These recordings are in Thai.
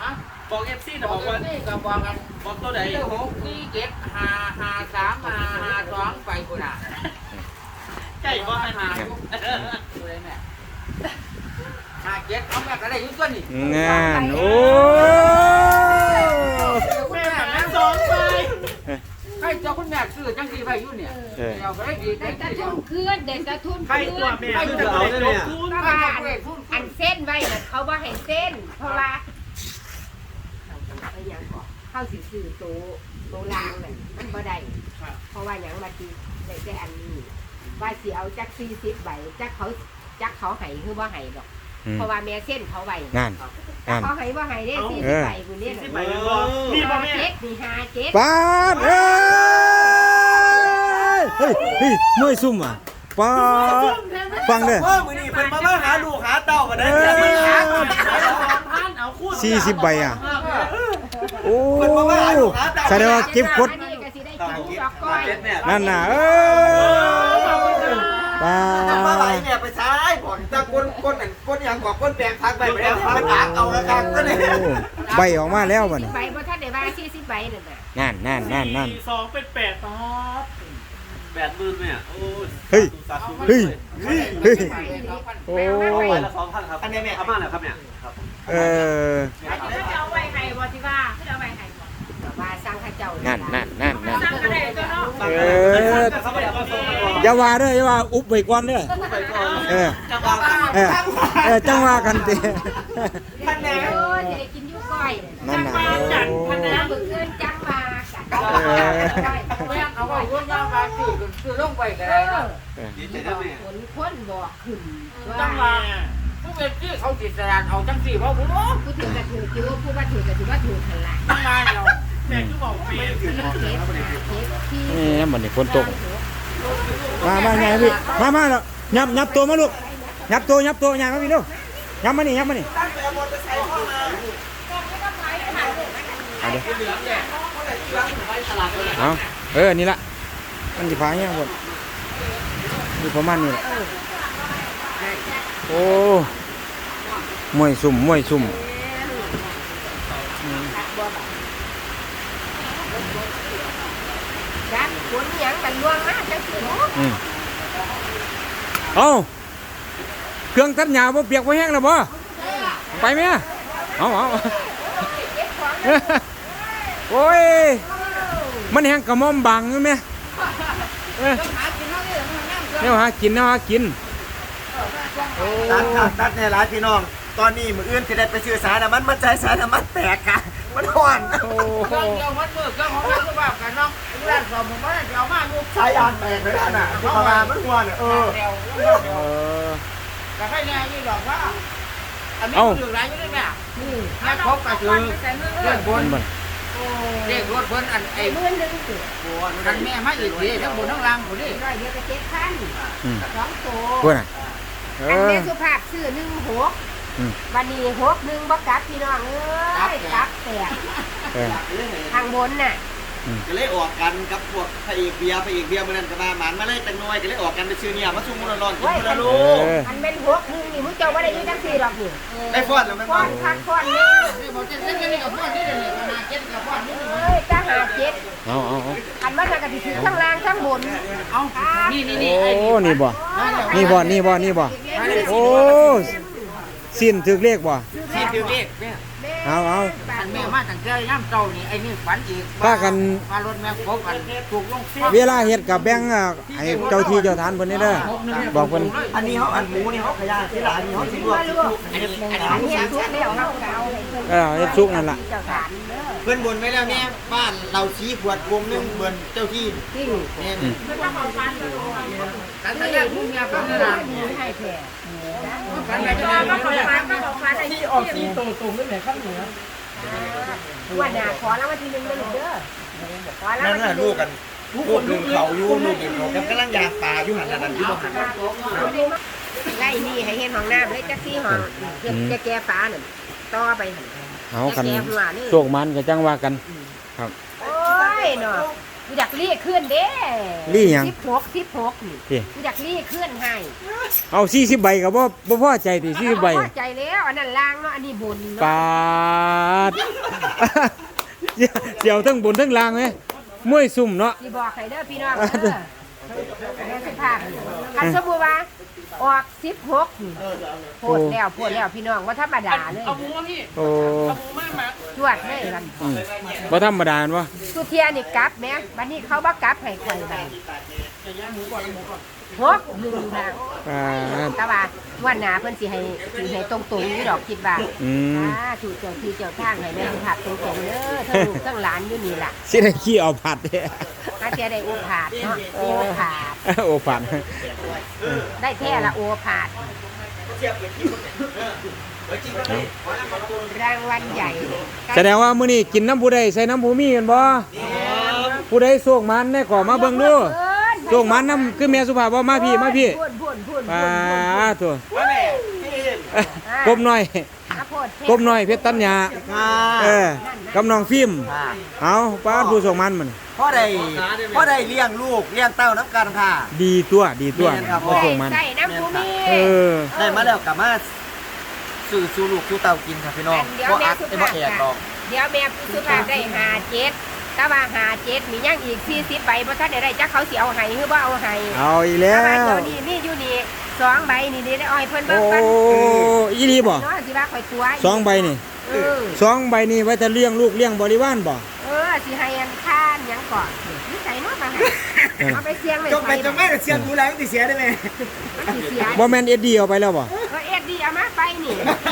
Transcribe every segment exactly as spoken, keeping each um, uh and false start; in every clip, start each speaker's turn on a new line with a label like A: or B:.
A: บอกเอฟซีนะบอกว่านี่ก็บอกกันบอกตัวไหนหกสี่เจ็ดห้าห้าสามห้าห้าสองไปกูน่ะใช่ว่าห้าตัวไหนแม่ห้าเจ็ดเอาแม่ก็ได้ยุ่งตัวนี่
B: งานโอ้
A: แม่แม่สองไปใครเจ้าคุณแม่ซื้อจังสีไปยุ่นเนี่ยเราก็ได้ดีได้
C: กระทุ่นคืนเด็กกระทุ่นคืน
A: ใครจะเอาได้เนี่ย
C: เพราะว่าอันเส้นไว้น่ะเขาว่าให้เส้นเพราะว่าเข้าสิซื้อโตโตลางเลยมันบ่ได้เพราะว่าอย่างมาทีได้แต่อันนี้ว่าสิเอาจักสี่สิบใบจักเขาจักเขาให้คือว่าให้ดอกเพราะว่าแม่เส้นเขาไว้
B: งาน
C: เขาให้ว่าให้ได้สี่สิบใบกูเนี่ย
A: นี่บ่แม่
C: เจ็ดนี่ห้าเจ็ด
B: ปาดเอ้ยเฮ้ยเฮ้ยมวยซุ่มอ่ะปาดฟังเด้อ
A: เออมื้อนี้เพิ่นมามาหาลูกหาเต้ากันได้
B: สี่สิบใบอ่ะโอ้แสดงว่าเก็บกดนั่นน่ะเออปา
A: มาไหลเนี่ยไปซ้ายบ่ถ้าคนคนนั่นคนหยังบอกคนแปลงพักไปแล้วมันตากเอาแล้วกันก็นี่
B: ใบออกมาแล้วบัดนี้
C: ใบบ่ทันได้ว่าสี่สิบใบนั่น
B: น่ะนั่นนั่นนั่น
A: สองเป็นแปดป๊อดแปดหมื่นเนี่ยโอ้
B: เฮ้ยเฮ้ยเฮ้ยโอ้
A: ไปละสองพันครับอันนี้แม่เอามาแล้วครับเนี่ยครับ
B: เออ
C: เอาไว้ให้บ่ที่ว่าเอาไว้ให้บ่ว่าสร้างข้าเจ้า
B: นั่นนั่นนั่นนั่น
C: สร้างก็ได้ตัวเนาะ
B: เอออย่าว่าเด้ออย่าว่าอุบไว้ก่อนเด้อเออเออเออจังว่ากันติ
C: พันแหนโอ้สิได้กินอยู่ก้อย
B: นั่นน่ะ
C: พันแหนมื้อคืนจังว่า
B: เออ
A: เอาไว้ร่วมยาวมาคือคือลงไปก็ได้เนาะดีใจนะแม่
C: ฝนคนบอกขึ้น
A: จังว่าผู้เป็นที่เขาติดสารเอาจังสี่เพราะผู้
C: ผู้ถือกระถือจิ้วผู้ว่าถือกระถือว่าถือทันละ
A: จังว่าเราแม่คือบอกปีน
B: นี่มันนี่ฝนตกมามาไงพี่มามาแล้วยับยับตัวมาลูกยับตัวยับตัวไงมาพี่ลูกยับมานี่ยับมานี่เอาเดี๋ยวเอาเออนี่ละมันจะพายเนี่ยหมดนี่ประมาณนี้แหละโอ้มวยซุ่มมวยซุ่ม
C: จักฝนหยังกันล่วงมาจังสิเนาะ
B: อืมเอ้าเครื่องตัดหญ้าบ่เปียกบ่แห้งแล้วบ่ไปไหมเอาเอาโอ้ยมันแห้งกระม่อมบังใช่ไหมเนี่ยหากินเนี่ยหากิน
A: ตัดตัดตัดเนี่ยหลายพี่น้องตอนนี้มืออื่นจะได้ไปซื้อสารน้ำมันมันใจสารน้ำมันแตกกันมันห่อนเครื่องเดียวมัดมือเครื่องของเราคือแบบกันเนาะร้านสองผมว่าจะเอามาลูกใช้ยางแตกเลยน่ะที่ประมาณมันห่อนเออแต่ให้แน่ยี่บอกว่าอันนี้อยู่ไรไม่ได้แม่แม่พบก็คือเรื่องบนเรียกรถบนอันไอ้
C: มื้อนึงสิ
A: อันแม่มาอีกทีทั้งบนทั้งล่างหมดดิ
C: ร้อยเดียวก็เจ็ดพันสองโต
B: อัน
C: นี้สุภาพซื้อหนึ่งหกวันนี้หกหนึ่งบักกัดพี่น้องเอ้ยกัดแตกทางบนน่ะ
A: ก็เลยออกกันกับพวกพระเอกเบียร์พระเอกเบียร์มันนั่นก็มาหมานมาเลยแต่น้อยก็เลยออกกันไปซื้อเนี่ยมาซุ่มมันร้อนกินคนละลูก
C: อันเป็นหกหนึ่งนี่มึงเจ้าว่าได้ยุ่งจังสี่หรอกนี่
A: ได้ฟอนแล้วมันฟ
C: อนพักฟอนนี่
A: บอกจะเล่นนี่กับฟอนนี่เดี๋ยวนี้มาเจ็ดกับฟอนนี่
C: เอ้ยจ้าหาเจ็ด
B: เอาเอา
C: อันว่าจะกระดิ่งข้างล่างข้างบน
A: เอานี่นี่นี่
B: โอ้นี่บ่นี่บ่นี่บ่นี่บ่โอ้สิ้นถึกเลขบ่
A: สิ้นถึกเลขเนี่ย
B: เอาเอา
A: แม่มาตั้งแต่ย่ำเจ้านี่ไอ้นี่ฝันอีก
B: ถ้ากัน
A: มารถแม่พบกันถูกลง
B: เวลาเฮ็ดกับแบงค์ให้เจ้าที่เจ้าทานเพิ่นนี่เด้อบอกเพิ่น
A: อันนี้เขาอันหมูนี่เขาขยะที่หลานนี่เขาสิลวกอันนี้
C: อันนี้ทุกแล้วเขาเอา
B: เออเฮ็ดสุกนั่นล่ะ
A: เพิ่นบ่นไว้แล้วเนี่ยบ้านเราชี้ขวดวงนึงเบิ่นเจ้าที่เนี่ยมันต้องเอาฟันกันแต่แรกผู้เมียเป็นนานให้แท้กันไปจะมาขอฟันมาขอฟันที่ออกสีตรงๆด้วยแหละข้างเหนือ
C: วันน่ะขอแล้ววันที่หนึ่งเลยเด้อ
A: ขอแล้วนั่นน่ะลูกกันลูกหนึ่งเขาอยู่ลูกหนึ่งเขากำลังยางปลาอยู่หันนั่นอยู่บ่หัน
C: ไล่นี่ให้เห็นห้องน้ำเลยจักซี่ห้องจะแก้ฟ้าหนึ่งต่อไป
B: เอากันโชคมันก็จังว่ากันครับ
C: โอ้ยเนาะกูอยากรีขึ้นเด้
B: รีหยัง
C: สิบหกสิบหกนี่กูอยากรีขึ้นให้
B: เอาสี่สิบใบก็บ่บ่พอใจติสี่สิบใบ
C: พอใจแล้วอันนั้นล่างเนาะอันนี้บน
B: ปาดเสียวทั้งบนทั้งล่างไหมมวยซุ่มเนาะ
C: สิบอกให้เด้อพี่น้องเด้อแม่สิภาพคันสมมุติว่าออกสิบหกนี่โพดแล้วโพดแล้วพี่น้องว่าธรรมดาเลย
D: เอาหมูมาพี่
B: โอ้
D: เอาหมูมามา
C: จวดเลยกัน
B: อืมบ่ธรรมดาเห็นบ่
C: สุเทียนี่กลับแม่บัดนี้เขาบ่กลับให้ข่อยบัดหกหนึ่งนะ
B: อ่า
C: แต่ว่าวันหน้าเพิ่นสิให้สิให้ตรงๆนี่ดอกคิดว่า
B: อืม
C: อ่าถูกเจ้าที่เจ้าทางให้แม่สุภาพตรงๆเด้อทั้งลูกทั้งหลานอยู่นี่ล่ะ
B: สิได้ขี้เอาผัดเด้
C: ถ้าเทียได้โอผาดเนาะโอผาด
B: โอ้ผัด
C: ได้แท้ละโอผาดรางวัลใหญ่
B: แสดงว่ามื้อนี้กินน้ำผู้ใดใส่น้ำผู้มีกันบ่ผู้ใดโชคมันได้ก่อมาเบิ่งดูโชคมันน้ำคือแม่สุภาพบ่มาพี่มาพี่
C: พูนพูนพูน
B: ปาตัว
A: ว่าแม่พี่
B: กบน้อย
C: อาโพดเทพ
B: กบน้อยเพชรตัญญา
A: ค่ะ
B: เออกับน้องฟิล์ม
A: ค่ะ
B: เอาป้าผู้โชคมันมัน
A: พ่อได้พ่อได้เลี้ยงลูกเลี้ยงเต้าน้ำกันค่ะ
B: ดีตัวดีตัว
A: แม่นครับ
B: ผู้โชคมัน
C: ใส่น้ำผู้มี
B: เออ
A: ได้มาแล้วกลับมาสู่สู่ลูกสู่เต้ากินครับพี่น้อง
C: เดี๋ยว
A: บ่
C: แม่
A: อัก
C: สุ
A: ไอ้
C: ภา
A: บ่
C: พ
A: แอกหรอก
C: เดี๋ยวแม่สุภาพได้หาเจ็ดแต่ว่าหาเจ็ดมียังอีกสี่สิบใบเพราะท่านได้จักเขาเสียเอาให้หรือว่าเอาให้
B: เอาอีกแล้
C: แต่ว่าว เดี๋ยวนี้มีอยู่นี่สองใบนี่นี่ได้อ้อยเพิ่น
B: โอ้
C: เบิ่งปัน
B: อีรีบ่
C: เนาะสิว่าข่อยตัว
B: สองใบนี่
C: เออ
B: สองใบนี่ไว้จะเลี้ยงลูกเลี้ยงบริวารบ่
C: เออสิให้อันค่าหยังก่อนนี่ใส่เนาะมาให้เอาไปเสี่ยงไว้
A: จงไปจงไม่เสียงดูแลติเสียได้ไหม
C: มันสิเสีย
B: บ่แม่นเอ็ดดีเอาไปแล้วบ่
C: เออเอ็ดดีเอามาไปนี่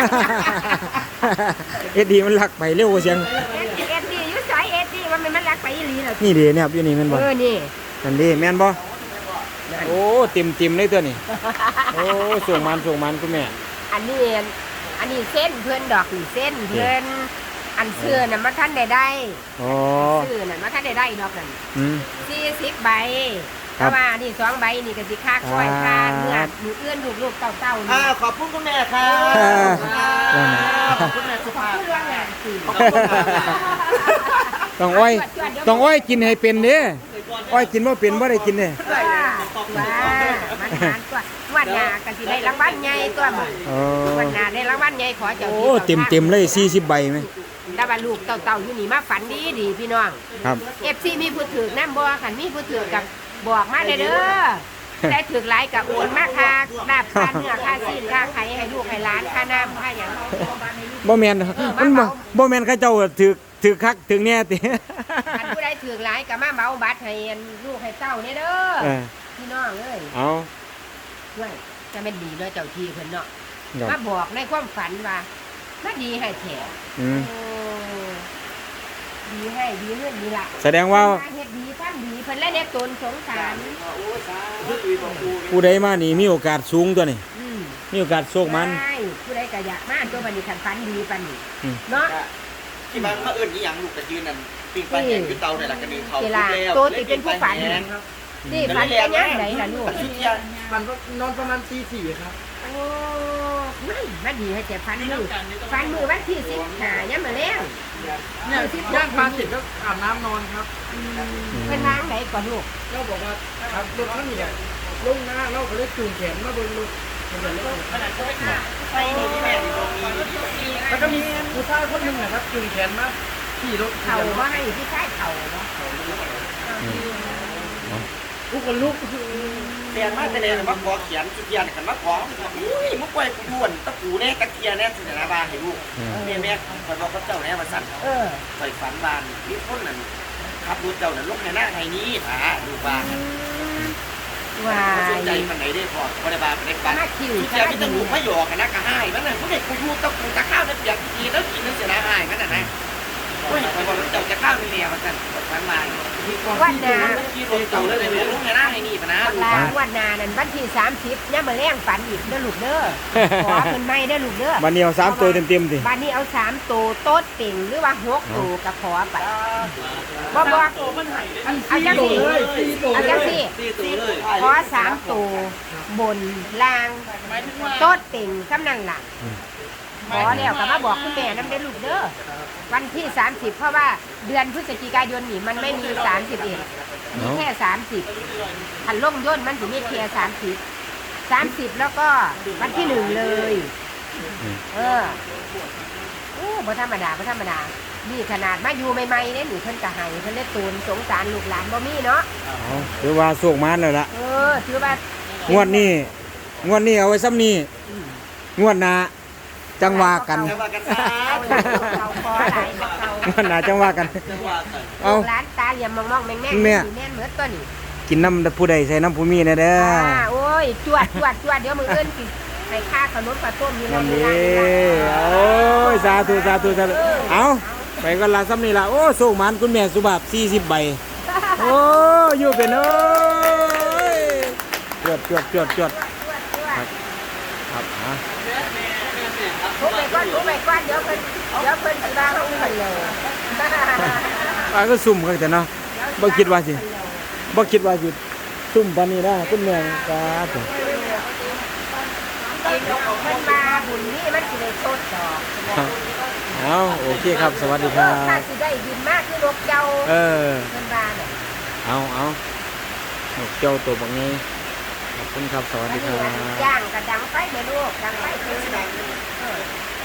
B: เอ็ดดีมันลักไปเร็วกว่าเสียง
C: เอ็ดดีเอ็ดดีอยู่สายเอ็ดดีว่ามันมันรักไปอีหลีเหรอ
B: นี่เด้เนี่ยครับอยู่นี่แม่นบ่
C: เออนี่
B: นั่นเด้แม่นบ่โอ้เต็มเต็มๆเลยตัวนี้โอ้ส่งมันส่งมันคุณแม่
C: อันนี้อันนี้เส้นเพื่อนดอกนี่เส้นเพื่อนอันเสื้อน่ะมาท่านได้ได้
B: อ๋อ
C: เสื้อน่ะมาท่านได้ได้ดอกนั่น
B: อืม
C: สี่สิบใบ
B: ครั
C: แต่
B: บ
C: ว่านี่สองใบนี่ก็สิค่าคอยค่าเนื้อหมูเอื้อนลูกลูกเต่าเต่านี่
A: อ่าขอบคุณคุณแม่ค่ะ
B: อ่า
A: ขอบคุณแม่สุภาพ
C: พูดเรื่องงานสิ
A: ขอบคุณค่ะ
B: ต้องอ้อยต้องอ้อยกินให้เป็นเด้อ้อยกินบ่เป็นบ่ได้กินเด้
C: ว่าว่ามันหารตัววันหน้าก็สิได้รางวัลใหญ่ตัวมัน
B: อ๋อ
C: วันหน้าได้รางวัลใหญ่ขอเจ้า
B: โอ้
C: ที่
B: เต็มเต็มๆเลยสี่สิบใบไหม
C: แต่ว่าลูกเต่าเต่าอยู่นี่มาฝันดีดีพี่น้อง
B: ครับ
C: เอฟซีมีผู้ถือน้ำบ่ขันมีผู้ถือกับบอกมาเด้อเด้อได้ถือหลายกับโอนมาค่าลาบค่าเนื้อค่าซีนค่าไข่ให้ลูกให้หลานค่าน้ำค่าหยัง
B: บ่แม่นมันบ่บ่แม่นเขาเจ้าถือถือคักถือแน่ติ
C: อันผู้ใดถือหลายก็มาเมาบัตรให้อันลูกให้เต้าเนี่ยเด้อ
B: เออ
C: พี่น้องเอ้ย
B: เอา
C: ด้วยจะเป็นดีเนาะเจ้าที่เพิ่นเนาะ
B: ครับ
C: มาบอกในความฝันว่ามาดีให้แถม
B: อืม
C: โอ้ดีให้ดีเงินดีละ
B: แสดงว่า
C: เฮ็ดดีทำดีเพิ่นและเด็กตนสงสาร
B: ผู้ใดมานี่มีโอกาสสูงตัวนี่
C: อืม
B: มีโอกาสโชคมัน
C: ใช่ผู้ใดก็อยากมาตัวบัดนี้คันฝันดีปานนี้
B: อืม
C: เนาะ
A: ที่บ้านมาเอิ้นอีหยังลูกกระยืนนั่นปิ้งปลาแห้งอยู่เตาเนี่ยล่ะกระดึงเขา
C: เวลาโตติเป็นผู้ฝันนี่ฝันเป็นยังไงล่ะลูก
A: ชุดยา
D: มันก็นอนประมาณตีสี่ครับ
C: โอ้ไม่มาดีให้แต่ฝันมือฝันมือวันที่สิบห้ายังมาแล้ว
D: เนี่ยย่างปลาเสร็จก็อาบน้ำนอนครับ
C: เป็นทางไหนก่อนลูก
D: เราบอกว่าครับรถท่านนี่เนี่ยลงหน้าเราก็เลยจูงแขนมาเบนรถมันจะเลิก
A: ใส่นี่ที่แม่ที่ตรงนี้
D: แล้วก็มีผู้ชายคนหนึ่งนะครับจูงแขนมาขี่รถ
C: เข่าว่าให้ที่ใต้เข่าเนาะ
D: ทุกคนลุก
A: เรียนมาแต่เรียนมาขอเขียนชุดยาขันมาขออุ้ยมุกไว้กูด่วนตะปูแน่ตะเกียแน่สินะบ้านให้ลูกแม่แม่คอยบอกกับเจ้าแน่มาสั่น
C: เออ
A: คอยฝันบ้านมีคนนั่นขับรถเจ้านั่นลงในหน้าไห้นี้ผาดูบ้าน
C: วา
A: สนใจ
C: ย
A: มันไหนได้พอพอได้บ้านได้บ้าน
C: มาคิว
A: ชุดยาพี่ตะปูไม่หยอกกันนะกะให้มันน่ะผู้เด็กกูยูตะปูตะข้าวนั่นเปียกทีแล้วกินนั่นเสียนะให้มันน่ะนะโอ้ยคอยบอกเจ้าจะข้าวนี่เนี่ยมาสั่นฝันมา
C: วันนา
A: ขี่รถเจ้าเลยเลยลงในหน้าไห้นี้ปะนะ
C: ลาวันนานั่นวันที่สามสิบเนี่ยมาแรงฝันอีกเด้อลูกเด้อขอเป็นไม่เด้อลูกเด้อ
B: บัดนี้เอาสามตัวเต็มๆสิ
C: วันนี้เอาสามตัวโต๊ดเป่งหรือว่าหกตัวกับขอไปบ่บอกเอาจังสิเอาจังสิขอสามตัวบนล่างโต๊ดเป่งกำลังหลังขอแล้วก็มาบอกคุณแม่น้ำได้อลูกเด้อวันที่สามสิบเพราะว่าเดือนพฤศจิกายนนี่มันไม่มีสามสิบเอ็ดมีแค่สามสิบขันล่มย่นมันถึงมีแค่สามสิบสามสิบแล้วก็วันที่หนึ่งเลยเออโอ้บ่ธรรมดาบ่ธรรมดานี่ขนาดมาอยู่ใหม่ๆเนี่ยนี่เพิ่นก็ให้เพิ่นเลยตูนสงสารลูกหลานบ่มีเนาะ
B: เอาถือว่าโชคมานแล้วล่ะ
C: เออถือว่าง
B: วดนี้งวดนี้เอาไว้ซ้ำนี้งวดหน้าจังว่ากัน
A: จะว่ากันซะ
C: เอาคอหลายบ่เอา
B: งวดหน้าจังว่ากัน เอา
C: ลูกหลานตาเหลี่ยมมองๆแม่งๆ
B: แม่
C: สิแม่นเหมือนตัวนี้
B: กินน้ำผู้ใดใส่น้ำผู้มีนะเด้อ
C: อ่าโอ้ยจวดจวดจวดเดี๋ยวมื้ออื่นสิให้ค่าขนมข้าวต้มอยู่ใน
B: นั่น
C: นี้
B: ดีโอ้ยสาธุสาธุสาธุเอาไปกันละซ้ำนี่ละโอ้โชคมานคุณแม่สุภาพสี่สิบใบโอ้อยู่เป็นเอ้ยจวดจวดจวดจวด ครับครับฮะ
C: ทุบไปก่อนทุบไปก่อนเดี๋ยวเพิ่นเดี๋ยวเพิ่นสิว่าเฮาเพิ่นเลย
B: อ่าก็ซุ่มกันแต่เนาะบ่คิดว่าสิบ่คิดว่าสิซุ่มปานนี้นะคุณแม่ครับผม
C: เพิ่นมาบุญนี่มันสิได้สดดอก
B: ครับเอาโอเคครับ สวัสดีครั
C: ถ้า
B: บ
C: สิได้บินมากคือนกเจ้า
B: เออ
C: เพิ่นว่าเนี่ย
B: เอาเอานกเจ้าตัวบักนี้ขอบคุณครับ สวัส
C: อัน
B: ดีค
C: นี้
B: รั
C: อัน
B: บ
C: ย่างกระดังไฟแม่ลูกดังไฟคือ